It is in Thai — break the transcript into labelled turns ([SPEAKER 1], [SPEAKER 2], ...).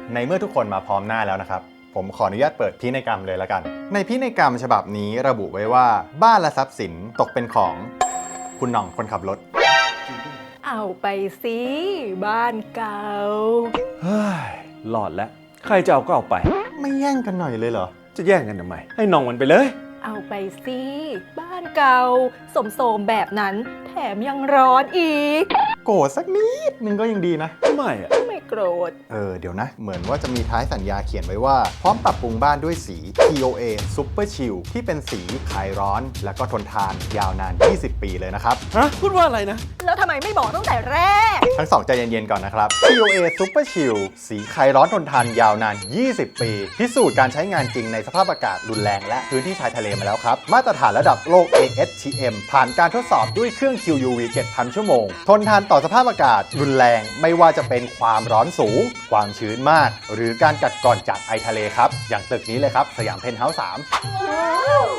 [SPEAKER 1] ในเมื่อทุกคนมาพร้อมหน้าแล้วนะครับผมขออนุญาตเปิดพินัยกรรมเลยละกันในพินัยกรรมฉบับนี้ระบุไว้ว่าบ้านและทรัพย์สินตกเป็นของคุณหน่องคนขับรถ
[SPEAKER 2] เอาไปสิบ้านเก่า
[SPEAKER 3] เฮ้ยหลอดแล้วใครจะเอาก็เอาไป
[SPEAKER 1] ไม่แย่งกันหน่อยเลยเหรอ
[SPEAKER 3] จะแย่งกันทำไมให้น้องมันไปเลย
[SPEAKER 2] เอาไปสิบ้านเก่าสมโสมแบบนั้นแถมยังร้อนอีก
[SPEAKER 1] โกรธสักนิดนึงก็ยังดีนะ
[SPEAKER 3] ทำไมอ่ะ
[SPEAKER 2] ไม่โกรธ
[SPEAKER 1] เดี๋ยวนะเหมือนว่าจะมีท้ายสัญญาเขียนไว้ว่าพร้อมปรับปรุงบ้านด้วยสี TOA Super Chill ที่เป็นสีคลายร้อนแล้วก็ทนทานยาวนาน20 ปีเลยนะครับ
[SPEAKER 3] ฮะพูดว่าอะไรนะ
[SPEAKER 2] แล้วทำไมไม่บอกตั้งแต่แรก
[SPEAKER 1] ทั้งสองใจเย็นๆก่อนนะครับ TOA Super Chill สีคลายร้อนทนทานยาวนาน20 ปีพิสูจน์การใช้งานจริงในสภาพอากาศรุนแรงและพื้นที่ชายทะเลมาแล้วครับมาตรฐานระดับโลก ASTM ผ่านการทดสอบด้วยเครื่อง QUV 7,000 ชั่วโมงทนทานต่อสภาพอากาศรุนแรงไม่ว่าจะเป็นความร้อนสูงความชื้นมากหรือการกัดกร่อนจากไอทะเลครับอย่างตึกนี้เลยครับสยามเพนท์เฮาส์3